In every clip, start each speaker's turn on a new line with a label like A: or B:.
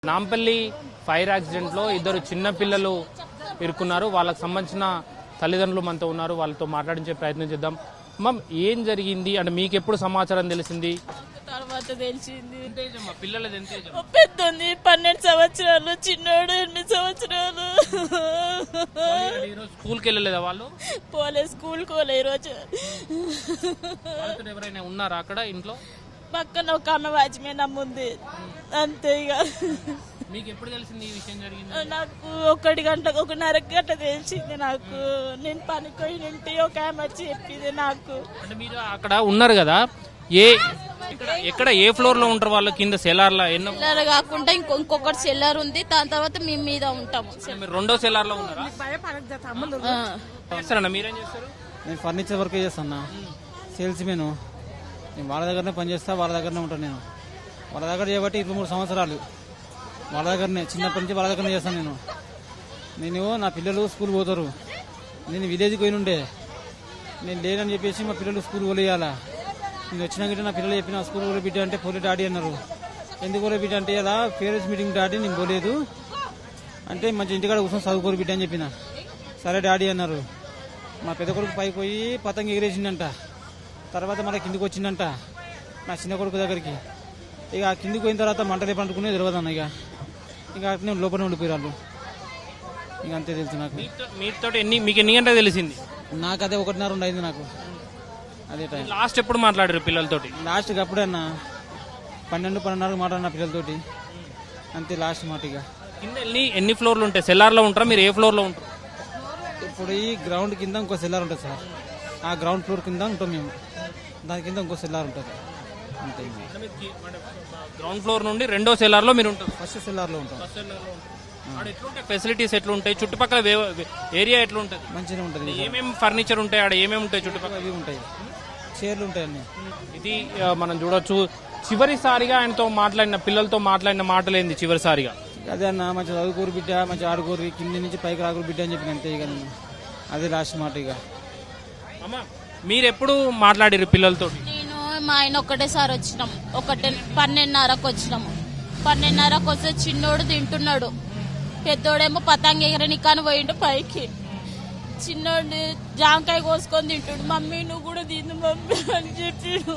A: Nampally fire accident లో ఇద్దరు చిన్న పిల్లలు ఇరుక్కున్నారు. వాళ్ళకి సంబంధించిన తల్లిదండ్రులు మనతో ఉన్నారు. వాళ్ళతో మాట్లాడించే ప్రయత్నం చేద్దాం. మమ్, ఏం జరిగింది అంటే మీకు ఎప్పుడు సమాచారం తెలిసింది?
B: తర్వాత తెలిసింది.
A: పిల్లలది ఎంత ఏజ్?
B: పెద్దంది 12 సంవత్సరాలు, చిన్నోడు 8 సంవత్సరాలు.
A: స్కూల్కి వెళ్ళలేదా వాళ్ళు?
B: పోలే, స్కూల్ కోలే. ఈరోజు
A: ఎవరైనా ఉన్నారా అక్కడ ఇంట్లో?
B: పక్కన ఒక ఆమె వాచ్మెన్ అమ్ముంది, అంతే. ఇక
A: మీకు ఎప్పుడు తెలిసింది ఈ విషయం జరిగింది?
B: నాకు 1 గంట 1:30 గంట తెలిసింది. నాకు నేను పనిపోయి నుండి ఒక ఆమె వచ్చి చెప్పింది నాకు.
A: అంటే మీరు అక్కడ ఉన్నారు కదా, ఎక్కడ ఏ ఫ్లోర్ లో ఉంటారు వాళ్ళు? కింద సెల్లార్ లో ఎన్నో
B: సెల్లార్ కాకుండా ఇంకొకటి సెల్లార్ ఉంది, దాని తర్వాత మేము మీద ఉంటాము.
A: మీరు రెండో సెల్లార్ లో ఉన్నారా? మీరేం చేస్తారు?
C: నేను ఫర్నిచర్ వర్క్ చేస్తాను, సేల్స్ మెను. నేను వాళ్ళ దగ్గరనే పనిచేస్తా, వాళ్ళ దగ్గరనే ఉంటాను. నేను వాళ్ళ దగ్గర చేయబట్టి 23 సంవత్సరాలు వాళ్ళ దగ్గరనే, చిన్నప్పటి నుంచి వాళ్ళ దగ్గరనే చేస్తాను. నేను నా పిల్లలు స్కూల్ పోతారు, నేను విలేజ్కి పోయి ఉండే, నేను లేనని చెప్పేసి మా పిల్లలు స్కూల్ పోలేయాలా. నేను వచ్చినాక నా పిల్లలు చెప్పిన స్కూల్ పోలే బిడ్డ అంటే పోలే డాడీ అన్నారు. ఎందుకు పోలే బిడ్డ అంటే ఇలా పేరెంట్స్ మీటింగ్ డాడీ నేను పోలేదు అంటే మంచి ఇంటికాడ కూర్చొని చదువుకోరు బిడ్డ అని చెప్పిన. సరే డాడీ అన్నారు. మా పెద్ద కొడుకు పైకి పోయి పతంగి ఎగిరేసిందంట. తర్వాత మళ్ళీ కిందికి వచ్చిందంట నా చిన్న కొడుకు దగ్గరికి. ఇక కిందికి పోయిన తర్వాత మంటలు పండుకునే తెలియదు అన్న. ఇక నేను లోపల ఉండిపోయారు. ఇక అంతే తెలుసు నాకు.
A: మీతో మీకు ఎన్ని గంటలకు తెలిసింది?
C: నాకు అదే 1:30 అయింది నాకు. అదే టైం.
A: లాస్ట్ ఎప్పుడు మాట్లాడారు పిల్లలతోటి?
C: లాస్ట్ అప్పుడే అన్న 12-12:30 మాట్లాడిన పిల్లలతోటి, అంతే లాస్ట్ మాట. ఇక
A: కింద ఎన్ని ఫ్లోర్లు ఉంటాయి? సెల్లార్ లో ఉంటారా మీరు? ఏ ఫ్లోర్ లో ఉంటారు?
C: ఇప్పుడు ఈ గ్రౌండ్ కింద ఇంకో సెల్లార్ ఉంటుంది సార్. ఆ గ్రౌండ్ ఫ్లోర్ కింద ఉంటాం మేము, దాని కింద ఇంకో సెల్లార్ ఉంటుంది, అంతే.
A: గ్రౌండ్ ఫ్లోర్ నుండి రెండో సెల్లార్ లో మీరు ఉంటారు?
C: ఫస్ట్ సెల్లార్ లో ఉంటాం.
A: ఎట్లుంటాయి ఫెసిలిటీస్? ఎట్లుంటాయి చుట్టుపక్కల ఏరియా? ఎట్లుంటది?
C: మంచిగా ఉంటుంది.
A: ఏమేమి ఫర్నిచర్ ఉంటాయి ఆడ? ఏమేమి ఉంటాయి చుట్టుపక్కల?
C: అవి ఉంటాయి, చైర్లు ఉంటాయి అన్ని.
A: ఇది మనం చూడొచ్చు. చివరిసారిగా ఆయనతో మాట్లాడిన, పిల్లలతో మాట్లాడిన మాటలు ఏంది చివరిసారిగా?
C: అదే అన్న, మంచిగా చదువుకోరు బిడ్డ, మంచిగా ఆడుకోరు, కింది నుంచి పైకి రాకూరు బిడ్డ అని చెప్పిన, అంతే. ఇక నేను అదే లాస్ట్ మాట. ఇక
A: అమ్మా, మీరు ఎప్పుడు మాట్లాడారు పిల్లలతో?
B: నేను మా ఆయన ఒకటేసారి వచ్చినాము, 12:30కు వచ్చినాము. 12:30కు వస్తే చిన్నోడు తింటున్నాడు, పెద్దోడేమో పతంగి ఎగరనికాని పోయిండు పైకి. చిన్నోడు జాంకాయ కోసుకొని తింటుడు. మమ్మీ నువ్వు కూడా తిను మమ్మీ అని చెప్పిడు.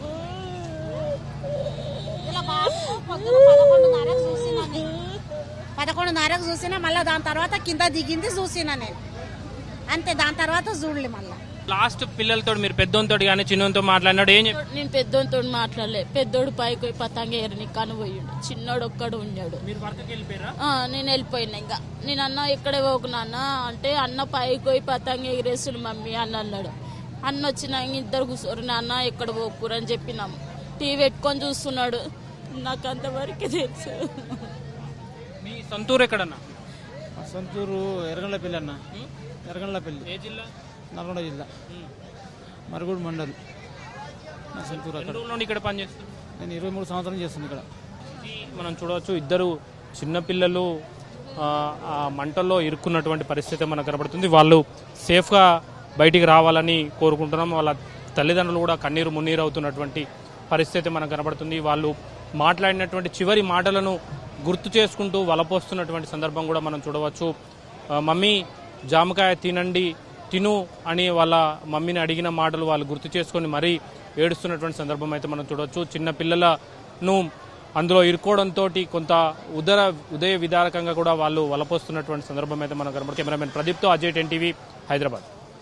D: 11:30కు చూసినా, మళ్ళీ దాని తర్వాత కింద దిగింది చూసినా నేను, అంతే. దాని తర్వాత చూడలే మళ్ళీ.
A: లాస్ట్ పిల్లలతో మీరు పెద్దోతో కానీ చిన్నతో మాట్లాడినాడు? ఏం చెప్పి?
B: నేను పెద్దోతో మాట్లాడలే. పెద్దోడు పైకి పోయి పతంగి ఎగరనికాని పోయిండు, చిన్నోడు ఒక్కడు ఉన్నాడు.
A: మీరు వర్క్కి వెళ్ళిపోయారా?
B: నేను వెళ్ళిపోయినా. ఇంకా నేను అన్న ఎక్కడే పోకున్నా అంటే, అన్న పైకి పోయి పతంగి ఎగిరేస్తుడు మమ్మీ అని అన్నాడు. అన్న వచ్చినా ఇద్దరు కూర్చోరు, నాన్న ఎక్కడ పోకురు అని చెప్పినాము. టీవీ పెట్టుకొని చూస్తున్నాడు. నాకు అంతవరకే తెలుసు.
A: మీ సొంతూరు ఎక్కడన్నా?
C: సొంతూరు ఎర్రగండ్లపల్లి అన్న. ఎర్రగండ్లపల్లి.
A: ఏ జిల్లా?
C: నల్గొండ జిల్లా, మరుగుడు మండల్. నా సొంతూరు అక్కడ.
A: ఇక్కడ పనిచేస్తుంది.
C: నేను 23 సంవత్సరాలు చేస్తుంది ఇక్కడ.
A: మనం చూడవచ్చు, ఇద్దరు చిన్నపిల్లలు ఆ మంటల్లో ఇరుక్కున్నటువంటి పరిస్థితి మనకు కనబడుతుంది. వాళ్ళు సేఫ్గా బయటికి రావాలని కోరుకుంటున్నాం. వాళ్ళ తల్లిదండ్రులు కూడా కన్నీరు మున్నీరు అవుతున్నటువంటి పరిస్థితి మనకు కనబడుతుంది. వాళ్ళు మాట్లాడినటువంటి చివరి మాటలను గుర్తు చేసుకుంటూ వలపోస్తున్నటువంటి సందర్భం కూడా మనం చూడవచ్చు. మమ్మీ జామకాయ తిను అని వాళ్ళ మమ్మీని అడిగిన మాటలు వాళ్ళు గుర్తు చేసుకొని మరీ ఏడుస్తున్నటువంటి సందర్భం అయితే మనం చూడవచ్చు. చిన్న పిల్లలను అందులో ఇరుక్కోవడంతో కొంత ఉదయ విదారకంగా కూడా వాళ్ళు వలపోస్తున్నటువంటి సందర్భం అయితే మనం కనబడుతుంది. కెమెరామెన్ ప్రదీప్తో అజయ్, 10 టీవీ, హైదరాబాద్.